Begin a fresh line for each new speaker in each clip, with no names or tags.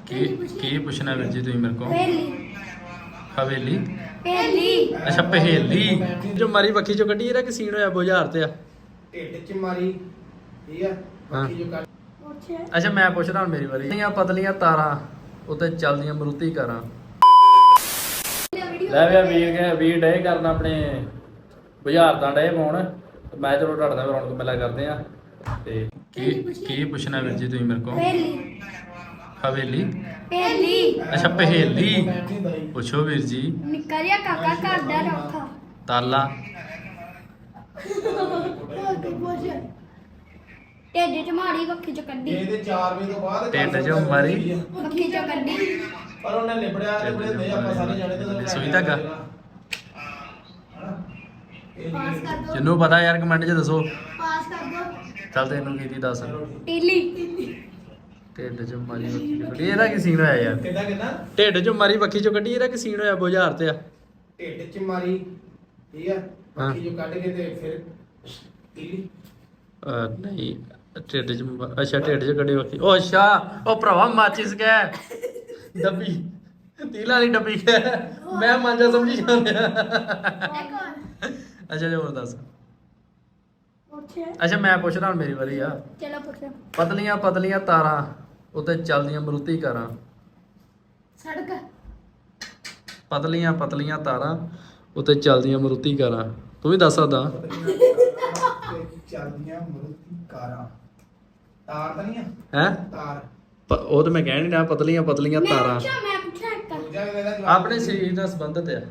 ਕੀ ਪੁੱਛਣਾ ਵੀਰ ਜੀ ਤੁਸੀਂ ਮੇਰੇ ਕੋਲ?
ਪਹੇਲੀ
ਹਵੇਲੀ?
ਪਹੇਲੀ
ਅੱਛਾ ਪਹੇਲੀ ਜੋ ਮਾਰੀ ਵੱਖੀ ਚੋਂ ਕੱਢੀ ਇਹਦਾ ਕਿ ਸੀਨ ਹੋਇਆ ਬੁਝਾਰ ਤੇ ਆ।
ਢਿੱਡ ਚ ਮਾਰੀ ਠੀਕ ਆ ਬਾਕੀ ਜੋ ਕੱਢ
ਪੁੱਛ
ਅੱਛਾ ਮੈਂ ਪੁੱਛਦਾ ਹੁਣ ਮੇਰੀ ਵਾਰੀ। ਪਤਲੀਆਂ ਤਾਰਾਂ ਉੱਤੇ ਚੱਲਦੀਆਂ ਮਰੂਤੀ ਕਾਰਾਂ। ਲੈ ਵੀ ਵੀਰ ਡੇ ਕਰਨ ਆਪਣੇ ਬੁਝਾਰਤਾਂ ਡੇ ਪਾਉਣ। ਮੈਂ ਚਲੋ ਤੁਹਾਡੇ ਨਾਲ ਰੌਣਕ ਮੇਲਾ ਕਰਦੇ ਆ। ਤੇ ਕੀ ਪੁੱਛਣਾ ਵੀਰ ਜੀ ਤੁਸੀਂ ਮੇਰੇ ਕੋਲ?
ਪਹੇਲੀ
ਹਵੇਲੀ?
ਪਹੇਲੀ
ਅੱਛਾ ਪਹੇਲੀ ਪੁੱਛੋ ਵੀਰ ਜੀ।
ਨਿੱਕਾ ਜਿਹਾ ਕਾਕਾ ਘਰ ਦਾ ਰੱਖਾ
ਤਾਲਾ?
ਢਿੱਡ ਚ ਮਾਰੀ ਵੱਖੀ ਚ ਕੱਢੀ
ਇਹਦੇ 4 ਵਜੇ ਤੋਂ ਬਾਅਦ
ਢਿੱਡ ਚੋਂ ਮਾਰੀ
ਵੱਖੀ ਚ ਕੱਢੀ
ਪਰ ਉਹਨੇ ਲਿਬੜਿਆ ਦੇ ਆਪਾਂ ਸਾਰੇ ਜਾਣੇ ਤੇ
ਸੂਈ ਧਾਗਾ?
ਪਾਸ ਕਰ ਦੋ
ਜਿਹਨੂੰ ਪਤਾ ਯਾਰ ਕਮੈਂਟ 'ਚ ਦੱਸੋ।
ਪਾਸ ਕਰ ਦੋ
ਚੱਲ ਤੈਨੂੰ ਕੀ ਦੀ ਦੱਸ।
ਟੀਲੀ
ਢਿੱਡ 'ਚ ਮਾਰੀ ਵੱਖੀ ਚੋਂ ਕੱਢੀ ਇਹਦਾ ਕੀ ਸੀਨ ਹੋਇਆ ਯਾਰ?
ਕਿੱਦਾਂ
ਢਿੱਡ 'ਚ ਮਾਰੀ ਵੱਖੀ ਚੋਂ ਕੱਢੀ ਇਹਦਾ ਕੀ ਸੀਨ ਹੋਇਆ ਬੁਝਾਰ ਤੇ ਆ?
ਢਿੱਡ ਚ ਮਾਰੀ ਠੀਕ ਆ ਬਾਕੀ ਜੋ ਕੱਢ ਕੇ ਤੇ ਫਿਰ ਤੀਲੀ
ਨਹੀਂ ਢਿੱਡ 'ਚ ਅੱਛਾ ਢਿੱਡ 'ਚ ਕੱਢੀ ਵੱਖੀ। ਉਹ ਅੱਛਾ ਉਹ ਭਰਾਵਾ ਮਾਚਿਸ ਗਿਆ ਡੱਬੀ ਤੀਲਾ ਵਾਲੀ ਡੱਬੀ ਗਿਆ। ਮੈਂ ਮਾਂਜਾ ਸਮਝੀ ਜਾਂਦਾ। ਅੱਛਾ ਜੀ ਹੋਰ ਦੱਸ।
ਪੁੱਛ
ਅੱਛਾ ਮੈਂ ਪੁੱਛਦਾ ਹੁਣ ਮੇਰੀ ਵਾਰੀ ਆ।
ਚਲੋ ਪੁੱਛ
ਪਤਲੀਆਂ ਤਾਰਾਂ ਉੱਤੇ ਚੱਲਦੀਆਂ ਮਰੂਤੀ ਕਾਰਾਂ।
ਸੜਕ
ਪਤਲੀਆਂ ਤਾਰਾਂ ਉੱਤੇ ਚੱਲਦੀਆਂ ਮਰੂਤੀ ਕਾਰਾਂ। ਤੂੰ ਵੀ ਦੱਸ ਸਕਦਾ।
ਚੱਲਦੀਆਂ ਮਰੂਤੀ ਕਾਰਾਂ ਤਾਰ ਤਾਂ ਨਹੀਂ ਆ
ਹੈ
ਤਾਰ
ਉਹ ਤਾਂ ਮੈਂ ਕਹਿ ਨਹੀਂ ਰਿਹਾ। ਪਤਲੀਆਂ ਤਾਰਾਂ
ਮੈਂ ਪੁੱਛਿਆ ਇੱਕ
ਦੂਜਾ ਇਹਦਾ ਜਵਾਬ
ਆਪਣੇ ਸਰੀਰ ਨਾਲ ਸੰਬੰਧਿਤ ਆ।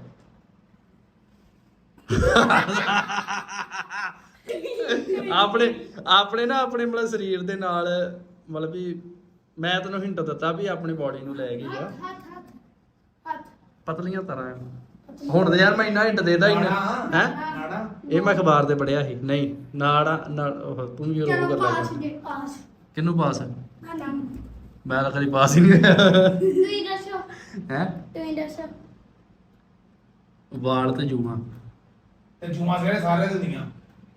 ਆਪਣੇ ਨਾ ਆਪਣੇ ਮਤਲਬ ਸਰੀਰ ਦੇ ਨਾਲ ਮਤਲਬ ਵੀ ਮੈਂ ਤੈਨੂੰ ਹਿੰਟ ਦਿੱਤਾ ਵੀ ਆਪਣੀ ਬਾਡੀ ਨੂੰ ਲੈ ਗਈ ਆ।
ਹੱਥ
ਪਤਲੀਆਂ ਤਾਰਾਂ ਹੁਣ ਤੇ ਯਾਰ ਮੈਂ ਇੰਨਾ ਹਿੰਟ ਦੇਦਾ ਹੀ ਨਾ ਹੈ।
ਨਾੜਾ
ਇਹ ਮੈਂ ਅਖਬਾਰ ਤੇ ਪੜਿਆ ਸੀ। ਨਹੀਂ ਨਾੜਾ ਤੂੰ ਵੀ ਉਹ
ਚਲੋ
ਕਰ
ਪਾਸ
ਲੈ।
ਜੇ ਪਾਸ
ਕਿਹਨੂੰ ਪਾਸ?
ਨਾ
ਮੈਂ ਤਾਂ ਕਦੀ ਪਾਸ ਹੀ ਨਹੀਂ ਹੋਇਆ।
ਤੁਸੀਂ ਦੱਸੋ
ਹੈ
ਤੁਸੀਂ ਦੱਸੋ
ਵਾਲ ਤੇ ਜੂਆਂ।
ਤੇ ਜੂਮਾ ਸਾਰੇ ਦਿੰਦੀਆਂ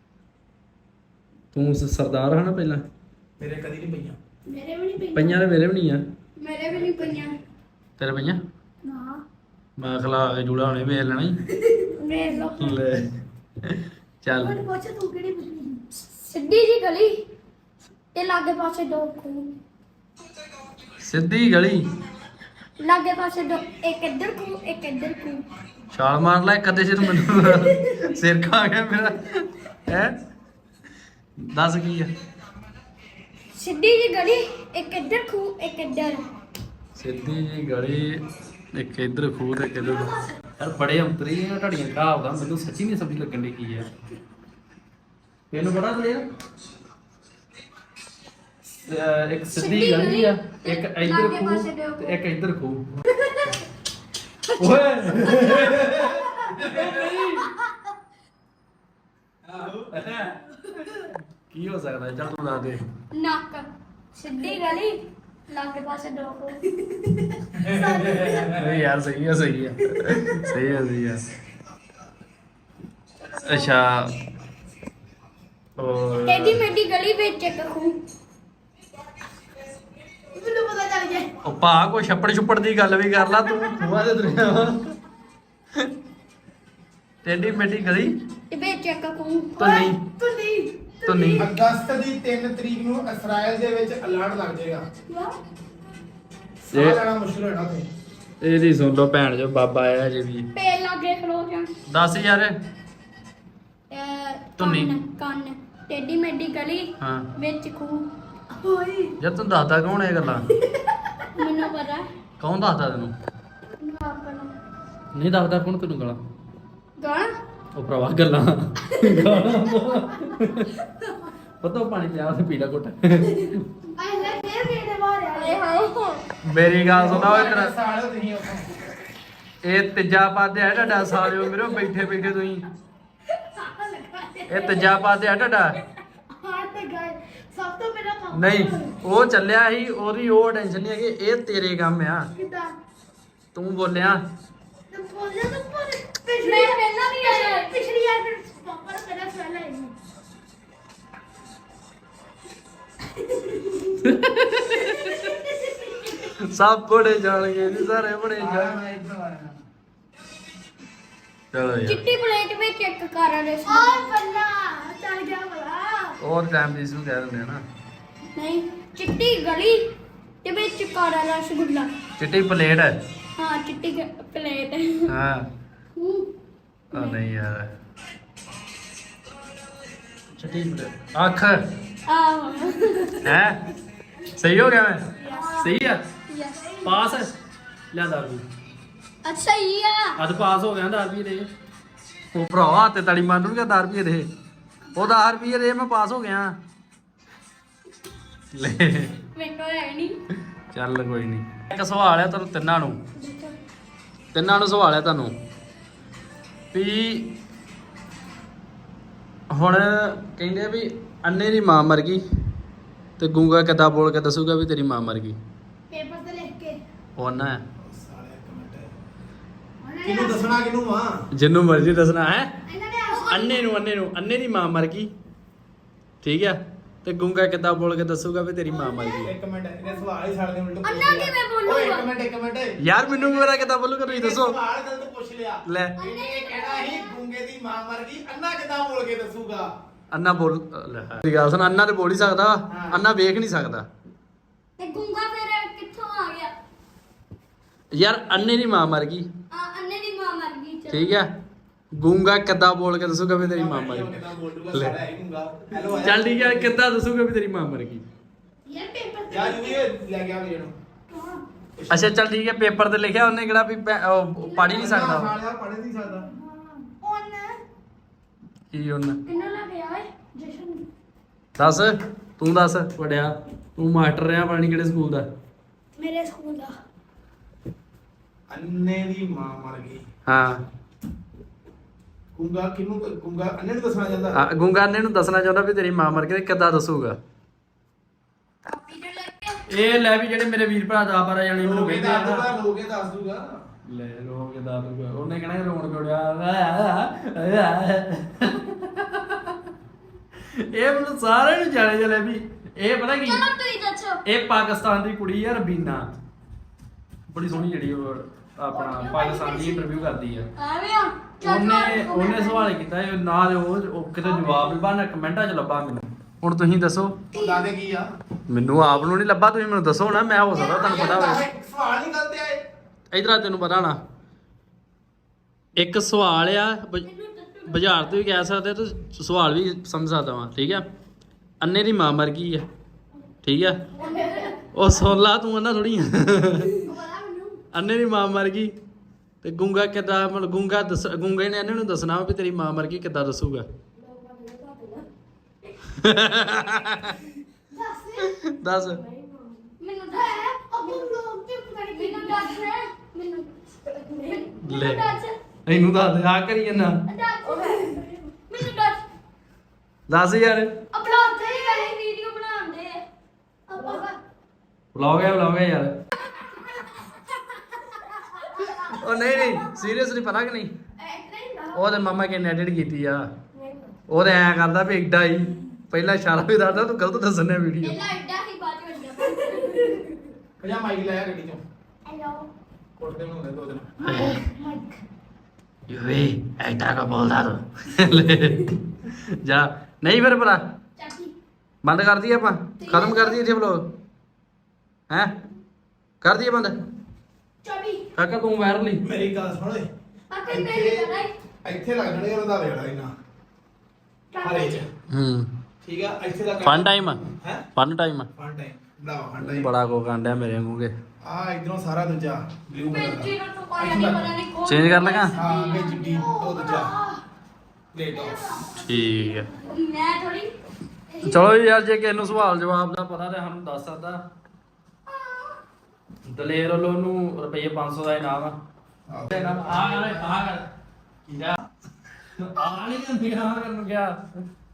ਤੂੰ ਸਰਦਾਰ ਹੈ ਨਾ ਪਹਿਲਾਂ।
ਮੇਰੇ ਕਦੀ ਨਹੀਂ ਪਈਆਂ
ਮੇਰੇ ਵੀ ਨਹੀਂ
ਪਈਆਂ ਤੇ ਮੇਰੇ ਵੀ ਨਹੀਂ ਆ।
ਮੇਰੇ ਵੀ ਨਹੀਂ ਪਈਆਂ
ਤੇਰੇ ਪਈਆਂ?
ਨਾ
ਮੈਂ ਖਲਾ ਕੇ ਜੂੜਾ ਹੁਣੇ ਵੇਖ ਲੈਣਾ ਹੀ।
ਵੇਖ ਲਓ
ਲੈ ਚੱਲ
ਮੈਨੂੰ ਪੁੱਛ ਤੂੰ ਕਿਹੜੀ ਪੁੱਛਣੀ ਸਿੱਧੀ ਜੀ ਗਲੀ ਤੇ ਲਾਗੇ ਪਾਸੇ ਦੋ ਖੂਹ
ਸਿੱਧੀ ਗਲੀ
ਲਾਗੇ ਪਾਸੇ ਦੋ ਇੱਕ ਇੱਧਰ ਖੂਹ ਇੱਕ ਇੱਧਰ ਖੂਹ
ਛਾਲ ਮਾਰ ਲੈ ਕਦੇ ਸਿਰ ਮੈਨੂੰ ਸਿਰ ਖਾ ਗਿਆ ਮੇਰਾ ਹੈ। ਦੱਸ ਕੀ ਆ?
ਸਿੱਧੀ ਜੀ ਗਲੀ ਇੱਕ ਇੱਧਰ ਖੂਹ ਇੱਕ ਇੱਧਰ
ਸਿੱਧੀ ਜੀ ਗਲੀ ਇੱਕ ਇੱਧਰ ਖੂਹ ਤੇ ਇੱਕ ਇੱਧਰ। ਯਾਰ ਬੜੇ ਅੰਤਰੀ ਆ ਢੜੀਆਂ ਘਾਵ ਦਾ। ਮੈਨੂੰ ਸੱਚੀ ਨਹੀਂ ਸਮਝ ਲੱਗਣ ਦੀ ਕੀ ਹੈ। ਤੈਨੂੰ ਬੜਾ ਕਲੀਅਰ। ਇੱਕ ਸਿੱਧੀ ਗਲੀ ਆ ਇੱਕ ਇੱਧਰ ਖੂਹ ਤੇ ਇੱਕ ਇੱਧਰ ਖੂਹ। ਓਏ ਕੀ ਹੋ ਸਕਦਾ? ਚੱਲ ਤੂੰ ਦੱਸ ਦੇ।
ਨੱਕ ਸਿੱਧੀ ਗਲੀ ਲਾਗੇ ਪਾਸੇ ਦੋ ਖੂਹ
ਨਹੀਂ ਯਾਰ ਸਹੀ ਆ ਸਹੀ ਆ ਸਹੀ ਆ। ਅੱਛਾ ਹੋਰ
ਟੇਢੀ ਮੇਢੀ ਗਲੀ ਵਿੱਚ ਇੱਕ ਖੂਹ ਮੈਨੂੰ ਪਤਾ ਚੱਲ ਗਿਆ
ਉਹ ਭਾ ਕੋਈ ਛੱਪੜ ਛੁੱਪੜ ਦੀ ਗੱਲ ਵੀ ਕਰ ਲਾ ਤੂੰ ਖੂਹਾਂ ਦੇ ਦੁਨੀਆ ਵਾ। ਟੇਢੀ ਮੇਢੀ ਗਲੀ
ਤੇ ਵਿੱਚ ਇੱਕ ਖੂਹ
ਧੁੰਨੀ ਧੁੰਨੀ।
ਅਗਸਤ ਦੀ 3 ਤਰੀਕ ਨੂੰ ਇਸਰਾਇਲ ਦੇ ਵਿੱਚ ਅਲਰਟ ਲੱਗ ਜਾਏਗਾ। ਸਾਹ ਲੈਣਾ ਮੁਸ਼ਕਿਲ ਹੋਣਾ ਤੇ
ਇਹਦੀ ਸੁਣ ਲਓ ਭੈਣ ਜੋ ਬਾਬਾ ਆਇਆ ਜੇ ਵੀ।
ਪੇ ਲਾਗੇ ਖਲੋ ਜਾ
ਦੱਸ ਯਾਰ। ਧੁੰਨੀ।
ਕੰਨ ਟੇਢੀ ਮੇਢੀ ਗਲੀ
ਹਾਂ
ਵਿੱਚ ਖੂਹ ਓਏ
ਯਾਰ ਤੂੰ ਦੱਸਦਾ ਕੌਣ ਇਹ ਗੱਲਾਂ?
ਮੈਨੂੰ ਪਤਾ
ਕੌਣ ਦੱਸਦਾ ਤੈਨੂੰ?
ਆਪਣਾ
ਨਹੀਂ ਦੱਸਦਾ ਕੌਣ ਤੈਨੂੰ ਗਾਲਾਂ?
ਗਾਣ
ਉਹ ਭਰਾਵਾ ਗੱਲਾਂ ਪਤਾ ਪਾਣੀ ਪਿਆ ਤੇ ਪੀਲਾ ਘੁੱਟ।
ਆਏ ਫੇਰ ਮੇਰੇ ਬਾਹਰ ਆਏ ਹਾਏ
ਮੇਰੀ ਗੱਲ ਸੁਣੋ ਇਧਰ।
ਸਾਲ ਤੁਸੀਂ ਉੱਥੋਂ
ਇਹ ਤੀਜਾ ਪਾਦੇ ਹੈ ਤੁਹਾਡਾ ਸਾਲਿਓ ਮੇਰੇ ਬੈਠੇ ਤੁਸੀਂ। ਇਹ ਤੀਜਾ ਪਾਦੇ ਹੈ ਤੁਹਾਡਾ।
ਹਾਂ ਤੇ ਗਏ ਸਭ ਤੋਂ ਪਹਿਲਾਂ ਕੰਮ
ਨਹੀਂ ਉਹ ਚੱਲਿਆ ਸੀ ਉਹਦੀ ਉਹ ਟੈਨਸ਼ਨ ਨਹੀਂ ਹੈਗੀ। ਇਹ ਤੇਰੇ ਕੰਮ ਆ।
ਕਿਦਾਂ
ਤੂੰ ਬੋਲਿਆ
ਤੂੰ ਬੋਲਿਆ ਤਾਂ ਪਿਛਲੀ ਵਾਰ ਪਹਿਲਾਂ ਵੀ ਆਇਆ ਪਿਛਲੀ ਵਾਰ ਫਿਰ ਪਾਪਾ ਨੇ ਪਹਿਲਾਂ ਸਵਾਲ ਆਇਆ
ਸਭ ਬੜੇ ਜਾਣਗੇ ਜੀ, ਸਾਰੇ ਬੜੇ ਜਾਣ।
ਮੈਂ ਇੱਧਰ ਆਇਆ
ਚਲੋ ਯਾਰ
ਚਿੱਟੀ ਪਲੇਟ ਵਿੱਚ ਇੱਕ ਕਾਰਾ ਦੇ ਓਏ ਬੱਲਾ ਚੱਲ ਗਿਆ ਬਲਾ
ਹੋਰ ਟਾਈਮ ਦੀ ਨੂੰ ਕਹਿ ਦਿੰਦੇ ਆ ਨਾ।
ਨਹੀਂ ਚਿੱਟੀ ਗਲੀ ਤੇ ਵਿੱਚ ਕਾਰਾ ਰਸਗੁੱਲਾ।
ਚਿੱਟੀ ਪਲੇਟ ਹੈ।
ਹਾਂ ਚਿੱਟੀ ਪਲੇਟ
ਹਾਂ ਆ ਨਹੀਂ ਯਾਰ ਚਿੱਟੀ ਪਲੇਟ ਅੱਖ
ਆਹੋ
ਹੈ। ਸਹੀ ਹੋ ਗਿਆ ਮੈਂ? ਸਹੀ ਆ
ਯਸ
ਪਾਸ ਹੈ। ਲੈ ਦਾਰੂ
ਅੱਛਾ ਹੀ ਆ
ਅੱਜ ਪਾਸ ਹੋ ਗਿਆ 10 ਰੁਪਏ ਦੇ। ਉਹ ਭਰਾਵਾ ਤੇ ਤਾੜੀ ਮੰਨ ਨੂੰ ਕਿ 10 ਰੁਪਏ ਦੇ। ਉਹ 10 ਰੁਪਏ ਦੇ ਮੈਂ ਪਾਸ ਹੋ ਗਿਆ। ਲੈ
ਮੇਰੇ ਕੋਲ ਹੈ ਨਹੀਂ
ਚੱਲ ਕੋਈ ਨਹੀਂ। ਇੱਕ ਸਵਾਲ ਹੈ ਤੁਹਾਨੂੰ ਤਿੰਨਾਂ ਨੂੰ ਸਵਾਲ ਹੈ ਤੁਹਾਨੂੰ ਵੀ ਹੁਣ ਕਹਿੰਦੇ ਆ ਵੀ ਅੰਨੇ ਦੀ ਮਾਂ ਮਰ ਗਈ ਤੇ ਗੂੰਗਾ ਕਿੱਦਾਂ ਬੋਲ ਕੇ ਦੱਸੂਗਾ ਵੀ ਤੇਰੀ ਮਾਂ ਮਰ ਗਈ?
ਪੇਪਰ ਤੇ ਲਿਖ ਕੇ
ਉਹ ਨਾ
ਸਾਲੇ ਇੱਕ ਮਿੰਟ ਕਿਹਨੂੰ ਦੱਸਣਾ ਕਿਹਨੂੰ ਵਾ
ਜਿੰਨੂੰ ਮਰਜ਼ੀ ਦੱਸਣਾ ਹੈ।
ਇਹਨਾਂ ਨੇ
ਅੰਨੇ ਦੀ ਮਾਂ ਮਰ ਗਈ ਠੀਕ ਆ ਤੇ ਗੂੰਗਾ ਕਿੱਦਾਂ ਬੋਲ ਕੇ ਦੱਸੂਗਾ ਵੀ ਤੇਰੀ ਮਾਂ ਮਰ ਗਈ?
ਇੱਕ ਮਿੰਟ ਇਹਨੇ ਸਵਾਲ ਹੀ ਛੱਡ ਦੇ ਉਲਟ
ਅੰਨਾ ਕਿਵੇਂ ਬੋਲੂਗਾ?
ਓਏ ਇੱਕ ਮਿੰਟ
ਯਾਰ ਮੈਨੂੰ ਮੇਰਾ ਕਿੱਦਾਂ ਬੋਲੂਗਾ ਤੁਸੀਂ ਦੱਸੋ।
ਸਵਾਲ ਗਲਤ ਪੁੱਛ ਲਿਆ
ਲੈ
ਇਹਨੇ ਕਹਿਣਾ ਸੀ ਗੂੰਗੇ ਦੀ ਮਾਂ ਮਰ ਗਈ ਅੰਨਾ ਕਿਦਾਂ ਬੋਲ ਕੇ ਦੱਸੂਗਾ?
ਅੰਨਾ ਬੋਲ ਲੈ ਦੀ ਗੱਲ ਸੁਣ ਅੰਨਾ ਤੇ ਬੋਲ ਹੀ ਸਕਦਾ
ਹਾਂ।
ਅੰਨਾ ਵੇਖ ਨਹੀਂ ਸਕਦਾ
ਤੇ ਗੁੰਗਾ ਫਿਰ ਕਿੱਥੋਂ ਆ ਗਿਆ?
ਯਾਰ ਅੰਨੇ ਦੀ ਮਾਂ ਮਰ ਗਈ
ਅੰਨੇ ਦੀ ਮਾਂ ਮਰ ਗਈ ਚਲੋ।
ਠੀਕ ਆ ਗੂੰਗਾ ਕਿੱਦਾਂ ਬੋਲ ਕੇ ਦੱਸੂਗਾ ਵੀ ਤੇਰੀ ਮਾਂ ਮਰ ਗਈ?
ਕਿਦਾਂ ਬੋਲੂਗਾ
ਲੈ।
ਸਾਲਾ ਹੀ ਗੂੰਗਾ ਹੈਲੋ
ਚੱਲ ਠੀਕ ਆ ਕਿੱਦਾਂ ਦੱਸੂਗਾ ਵੀ ਤੇਰੀ ਮਾਂ ਮਰ ਗਈ?
ਯਾਰ ਪੇਪਰ ਤੇ
ਯਾਰ ਇਹ ਲੈ ਗਿਆ ਵੀਰੇ ਨੂੰ
ਅੱਛਾ ਚੱਲ ਠੀਕ ਹੈ ਪੇਪਰ ਤੇ ਲਿਖਿਆ ਉਹਨੇ ਕਿਹੜਾ ਵੀ ਪੜ੍ਹ ਹੀ ਨਹੀਂ ਸਕਦਾ ਉਹ।
ਸਾਲਿਆ ਪੜ੍ਹ ਨਹੀਂ ਸਕਦਾ
ਉਹਨ
ਕੀ ਉਹਨੇ
ਕਿੰਨਾ ਲੱਗਿਆ ਓਏ ਜਸ਼ਨ
ਦੱਸ ਤੂੰ ਦੱਸ ਵੱਡਿਆ ਤੂੰ ਮਾਸਟਰ ਰਿਹਾ ਪਤਾ ਨਹੀਂ ਕਿਹੜੇ ਸਕੂਲ ਦਾ।
ਮੇਰੇ ਸਕੂਲ ਦਾ
ਅੰਨੇ ਦੀ ਮਾਂ ਮਰ ਗਈ
ਹਾਂ
ਗੂੰਗਾ ਕਿਹਨੂੰ ਗੂੰਗਾ ਅੰਨੇ ਨੂੰ ਦੱਸਣਾ ਚਾਹੁੰਦਾ
ਗੂੰਗਾ ਅੰਨੇ ਨੂੰ ਦੱਸਣਾ ਚਾਹੁੰਦਾ ਵੀ ਤੇਰੀ ਮਾਂ ਮਰ ਗਈ ਤੇ ਕਿੱਦਾਂ ਦੱਸੂਗਾ?
ਕਾਪੀ ਤੇ ਲੱਗ ਗਿਆ
ਇਹ ਲੈ ਵੀ ਜਿਹੜੇ ਮੇਰੇ ਵੀਰ ਭਰਾ 10-12 ਜਾਣੇ ਮੈਨੂੰ
ਲੋਕੇ
ਕਹਿੰਦੇ ਆ
ਦੱਸ ਦੂਗਾ
ਨਾ
ਲੋਕੇ ਦੱਸ ਦੂਗਾ
ਲੈ ਰੋ ਕੇ ਦੱਸ ਦੂਗਾ ਉਹਨੇ ਕਹਿਣਾ ਰੋਣ ਕਿਉੜਿਆ ਇਹ ਮੈਨੂੰ ਸਾਰਿਆਂ ਨੂੰ ਜਾਣੇ ਚਲੇ ਵੀ ਇਹ ਪਤਾ ਕੀ
ਚਲੋ ਤੁਸੀਂ ਦੱਸੋ
ਇਹ ਪਾਕਿਸਤਾਨ ਦੀ ਕੁੜੀ ਆ ਰਬੀਨਾ ਬੜੀ ਸੋਹਣੀ ਜਿਹੜੀ ਉਹ ਆਪਣਾ ਪਾਕਿਸਤਾਨ ਦੀ ਇੰਟਰਵਿਊ ਕਰਦੀ ਆ।
ਆਵੇਂ ਆ
ਉਹਨੇ ਸਵਾਲ ਕੀਤਾ ਇਹ ਨਾ ਦੇ ਉਹ ਕਿਤੇ ਜਵਾਬ ਵੀ ਬਾਹਰ ਕਮੈਂਟਾਂ 'ਚ ਲੱਭਾ ਮੈਨੂੰ। ਹੁਣ ਤੁਸੀਂ ਦੱਸੋ
ਉਹ ਦਾਦੇ ਕੀ ਆ
ਮੈਨੂੰ ਆਪ ਨੂੰ ਨਹੀਂ ਲੱਭਾ ਤੁਸੀਂ ਮੈਨੂੰ ਦੱਸੋ ਨਾ ਮੈਂ ਹੋ ਸਕਦਾ ਤੁਹਾਨੂੰ ਪਤਾ ਹੋਵੇ।
ਸਵਾਲ ਨਹੀਂ ਗਲਤ ਆਏ
ਇਧਰ ਆ ਤੈਨੂੰ ਪਤਾ ਨਾ ਇੱਕ ਸਵਾਲ ਆ ਬਾਜ਼ਾਰ ਤੇ ਵੀ ਕਹਿ ਸਕਦੇ ਤੇ ਸਵਾਲ ਵੀ ਸਮਝ ਸਕਦਾ ਵਾਂ ਠੀਕ ਆ। ਅੰਨੇ ਦੀ ਮਾਂ ਮਰ ਗਈ ਆ ਠੀਕ ਆ ਉਹ ਸੋਲਾ ਤੂੰ ਅੰਨਾ ਥੋੜੀ ਆ ਅੰਨੇ ਦੀ ਮਾਂ ਮਰ ਗਈ ਤੇ ਗੂੰਗਾ ਕਿੱਦਾਂ ਮਤਲਬ ਗੂੰਗੇ ਨੇ ਅੰਨੇ ਨੂੰ ਦੱਸਣਾ ਵੀ ਤੇਰੀ ਮਾਂ ਮਰ ਗਈ ਕਿੱਦਾਂ ਦੱਸੂਗਾ? ਦੱਸ
ਮੈਨੂੰ ਦੱਸ ਅਬੂ ਲੋਕ ਤੇ ਪਤਾ ਨਹੀਂ ਮੈਨੂੰ ਦੱਸ ਮੈਨੂੰ
ਲੈ
ਦੱਸ
ਇਹਨੂੰ ਦੱਸ ਦੇ ਆ ਕਰੀ ਜੰਨਾ
ਮੈਨੂੰ ਦੱਸ
ਦੱਸ ਯਾਰ
ਅਪਲੋਡ ਤੇ ਵਾਲੀ ਵੀਡੀਓ ਬਣਾਉਂਦੇ ਆਪਾਂ
ਬੁਲਾਓ ਗਿਆ ਯਾਰ ਉਹ ਨਹੀਂ ਸੀਰੀਅਸਲੀ ਪਤਾ ਕਿ ਨਹੀਂ ਉਹਦੇ ਮਾਮਾ ਕਿਨੇ ਐਡਿਟ ਕੀਤੀ ਆ ਉਹਦੇ ਐ ਕਰਦਾ ਵੀ ਏਡਾ ਹੀ ਪਹਿਲਾਂ ਇਸ਼ਾਰਾ ਵੀ ਦੱਸਦਾ ਤੂੰ ਗਲਤ ਦੱਸਣਾ ਵੀਡੀਓ।
ਪਹਿਲਾਂ ਐਡਾ ਹੀ ਬਾਅਦ ਵਿੱਚ ਵੱਡਾ
ਪੰਜਾ ਮਾਈਕ ਲਾਇਆ ਗੱਡੀ ਚੋਂ
ਹੈਲੋ
ਕੋਟਦੇ ਨੂੰ ਹੁੰਦੇ ਦੋ ਦਿਨ
ਮਾਈਕ
ਯੂਏ ਐਡਾ ਕਾ ਬੋਲਦਾ ਤੂੰ ਜਾ ਨਹੀਂ ਫਿਰ ਭਰਾ
ਚਾਚੀ
ਬੰਦ ਕਰ ਦਈਏ ਆਪਾਂ ਖਤਮ ਕਰ ਦਈਏ ਇੱਥੇ ਵਲੋਗ ਹੈ ਕਰ ਦਈਏ ਬੰਦ
ਚਾਬੀ
ਕਾਕਾ ਤੂੰ ਵਾਇਰਲ ਹੀ
ਮੇਰੀ ਗੱਲ ਸੁਣ ਓਏ
ਆਕੇ ਤੇਰੀ ਕਰਾਈ
ਇੱਥੇ ਲੱਗ ਜਾਣੇ ਉਹਦਾ ਵੇੜਾ ਇਹਨਾਂ ਹਰੇ ਚ
ਹੂੰ
ਠੀਕ ਆ ਇੱਥੇ ਦਾ
ਫਨ ਟਾਈਮ
ਹੈ
ਫਨ ਟਾਈਮ
ਫਨ ਟਾਈਮ ਬੜਾ ਫਨ ਟਾਈਮ
ਬੜਾ ਕੋ ਕਾਂਡਿਆ ਮੇਰੇ ਵਾਂਗੂਗੇ
ਆ ਇਧਰੋਂ ਸਾਰਾ ਦੂਜਾ ਬਲੂ ਕਲਰ
ਬੇਚੀ
ਦਾ
ਨੂੰ ਤਾਂ ਪਾਇਆ ਨਹੀਂ ਪਤਾ ਨਹੀਂ ਕੌਣ
ਚੇਂਜ ਕਰ ਲਗਾ
ਹਾਂ ਅੱਗੇ ਚਿੱਟੀ ਉਹ ਦੂਜਾ ਪਲੇਟ ਆਫ
ਠੀਕ ਹੈ
ਮੈਂ ਥੋੜੀ
ਚਲੋ ਜੀ ਯਾਰ ਜੇ ਕਿਸੇ ਨੂੰ ਸਵਾਲ ਜਵਾਬ ਦਾ ਪਤਾ ਤੇ ਸਾਨੂੰ ਦੱਸ ਸਕਦਾ। ਦਲੇਰ ਵੱਲੋਂ ਨੂੰ ਰੁਪਏ 500 ਦਾ ਇਨਾਮ ਆ ਆ ਕਰ ਕੀ ਆ ਨਹੀਂ ਕਰਨ ਗਿਆ